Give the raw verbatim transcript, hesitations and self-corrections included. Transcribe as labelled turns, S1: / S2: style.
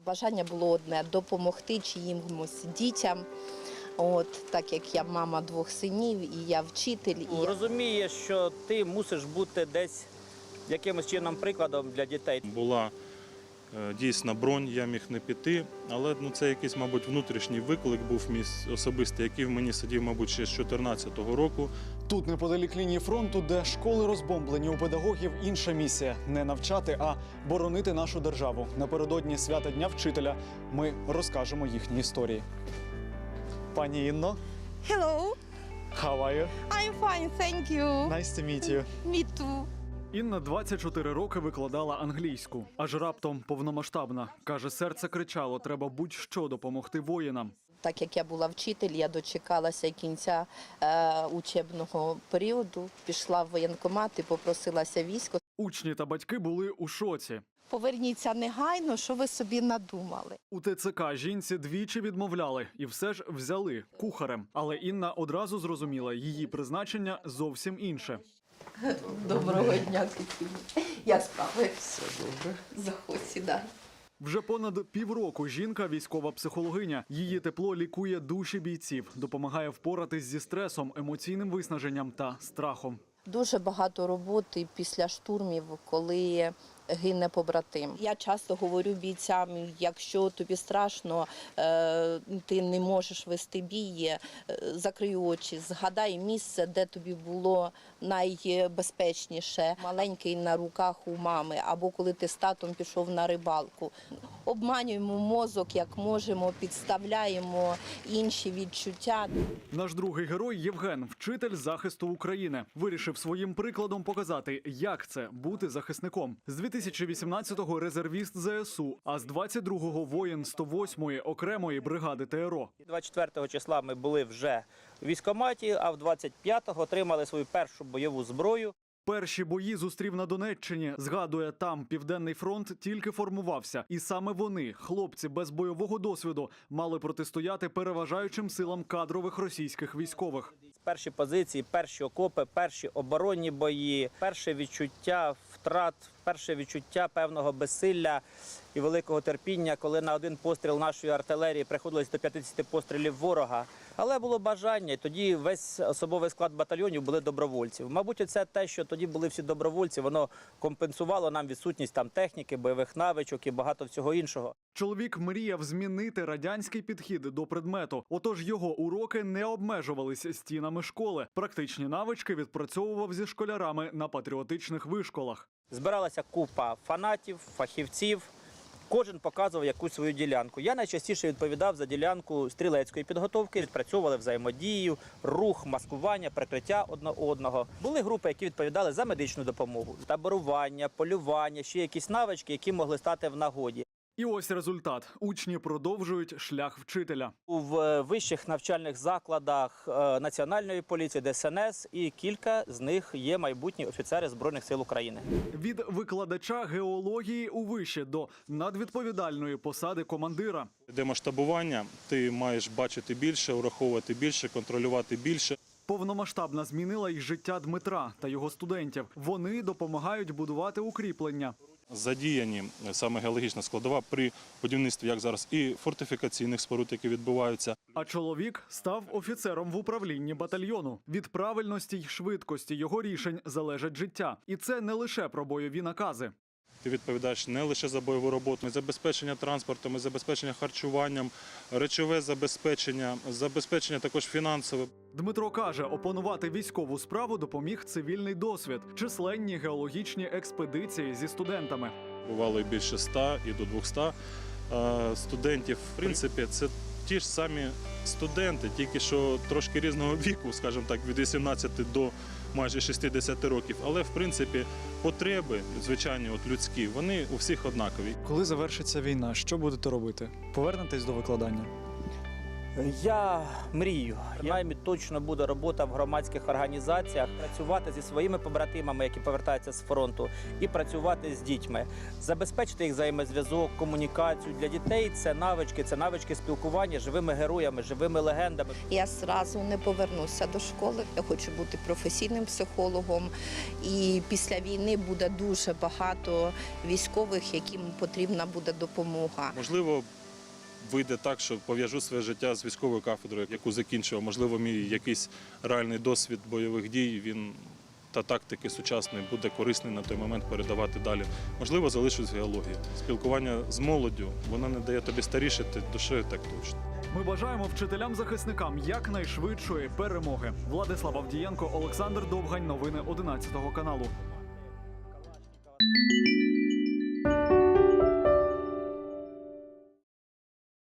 S1: Бажання було одне – допомогти чиїмось дітям. От, так як я мама двох синів, і я вчитель. І я...
S2: Розуміє, що ти мусиш бути десь якимось чином прикладом для дітей.
S3: Була е, дійсна бронь, я міг не піти, але ну, це якийсь, мабуть, внутрішній виклик був мій особистий, який в мені сидів, мабуть, ще з дві тисячі чотирнадцятого року.
S4: Тут, неподалік лінії фронту, де школи розбомблені, у педагогів інша місія – не навчати, а боронити нашу державу. Напередодні свята Дня вчителя ми розкажемо їхні історії. Пані Інно,
S5: Hello,
S4: how are you?
S5: I'm fine, thank you.
S4: Nice to meet you.
S5: Me too.
S4: Інна двадцять чотири роки викладала англійську, аж раптом повномасштабна. Каже, серце кричало, треба будь-що допомогти воїнам.
S1: Так як я була вчитель, я дочекалася кінця е, учебного періоду, пішла в воєнкомат і попросилася військо.
S4: Учні та батьки були у шоці.
S1: Поверніться негайно, що ви собі надумали.
S4: У ТЦК жінці двічі відмовляли і все ж взяли кухарем. Але Інна одразу зрозуміла, її призначення зовсім інше.
S1: Доброго дня, Катерина. Я справи. Все добре. Заходь, сідай.
S4: Вже понад півроку жінка – військова психологиня. Її тепло лікує душі бійців, допомагає впоратись зі стресом, емоційним виснаженням та страхом.
S1: Дуже багато роботи після штурмів, коли гине побратим. Я часто говорю бійцям, якщо тобі страшно, ти не можеш вести бій, закрий очі, згадай місце, де тобі було найбезпечніше. Маленький на руках у мами, або коли ти з татом пішов на рибалку. Обманюємо мозок, як можемо, підставляємо інші відчуття.
S4: Наш другий герой Євген – вчитель захисту України. Вирішив своїм прикладом показати, як це – бути захисником. З дві тисячі вісімнадцятого резервіст ЗСУ, а з двадцять другого воїн сто восьмої окремої бригади ТРО.
S2: двадцять четвертого числа ми були вже в військкоматі, а в двадцять п'ятого отримали свою першу бойову зброю.
S4: Перші бої зустрів на Донеччині. Згадує, там Південний фронт тільки формувався. І саме вони, хлопці без бойового досвіду, мали протистояти переважаючим силам кадрових російських військових.
S2: Перші позиції, перші окопи, перші оборонні бої, перше відчуття втрат, перше відчуття певного безсилля і великого терпіння, коли на один постріл нашої артилерії приходилось до п'ятдесят пострілів ворога. Але було бажання, і тоді весь особовий склад батальйонів були добровольців. Мабуть, це те, що тоді були всі добровольці, воно компенсувало нам відсутність там техніки, бойових навичок і багато всього іншого.
S4: Чоловік мріяв змінити радянський підхід до предмету. Отож його уроки не обмежувалися стінами школи. Практичні навички відпрацьовував зі школярами на патріотичних вишколах.
S2: Збиралася купа фанатів, фахівців. Кожен показував якусь свою ділянку. Я найчастіше відповідав за ділянку стрілецької підготовки. Відпрацьовували взаємодію, рух, маскування, прикриття одне одного. Були групи, які відповідали за медичну допомогу, таборування, полювання, ще якісь навички, які могли стати в нагоді.
S4: І ось результат. Учні продовжують шлях вчителя.
S2: У вищих навчальних закладах Національної поліції, Де Ес Ен Ес, і кілька з них є майбутні офіцери Збройних сил України.
S4: Від викладача геології у виші до надвідповідальної посади командира.
S3: Де масштабування, ти маєш бачити більше, ураховувати більше, контролювати більше.
S4: Повномасштабна змінила й життя Дмитра та його студентів. Вони допомагають будувати укріплення.
S3: Задіяні саме геологічна складова при будівництві, як зараз, і фортифікаційних споруд, які відбуваються.
S4: А чоловік став офіцером в управлінні батальйону. Від правильності й швидкості його рішень залежить життя. І це не лише про бойові накази.
S3: Ти відповідаєш не лише за бойову роботу, забезпечення транспортом, забезпечення харчуванням, речове забезпечення, забезпечення також фінансове.
S4: Дмитро каже, опанувати військову справу допоміг цивільний досвід, численні геологічні експедиції зі студентами.
S3: Бувало і більше ста, і до двохсот студентів. В принципі, це ті ж самі студенти, тільки що трошки різного віку, скажімо так, від вісімнадцяти до майже шістдесяти років. Але, в принципі, потреби, звичайні, от людські, вони у всіх однакові.
S4: Коли завершиться війна, що будете робити? Повернетесь до викладання?
S2: Я мрію. Принаймні точно буде робота в громадських організаціях, працювати зі своїми побратимами, які повертаються з фронту, і працювати з дітьми, забезпечити їх взаємозв'язок, комунікацію. Для дітей це навички, це навички спілкування з живими героями, живими легендами.
S1: Я зразу не повернуся до школи. Я хочу бути професійним психологом. І після війни буде дуже багато військових, яким потрібна буде допомога.
S3: Можливо, вийде так, що пов'яжу своє життя з військовою кафедрою, яку закінчував. Можливо, мій якийсь реальний досвід бойових дій, він та тактики сучасної буде корисний на той момент передавати далі. Можливо, залишусь в геології. Спілкування з молоддю, воно не дає тобі старішити душею, так точно.
S4: Ми бажаємо вчителям-захисникам якнайшвидшої перемоги. Владислав Авдієнко, Олександр Довгань. Новини одинадцятого каналу.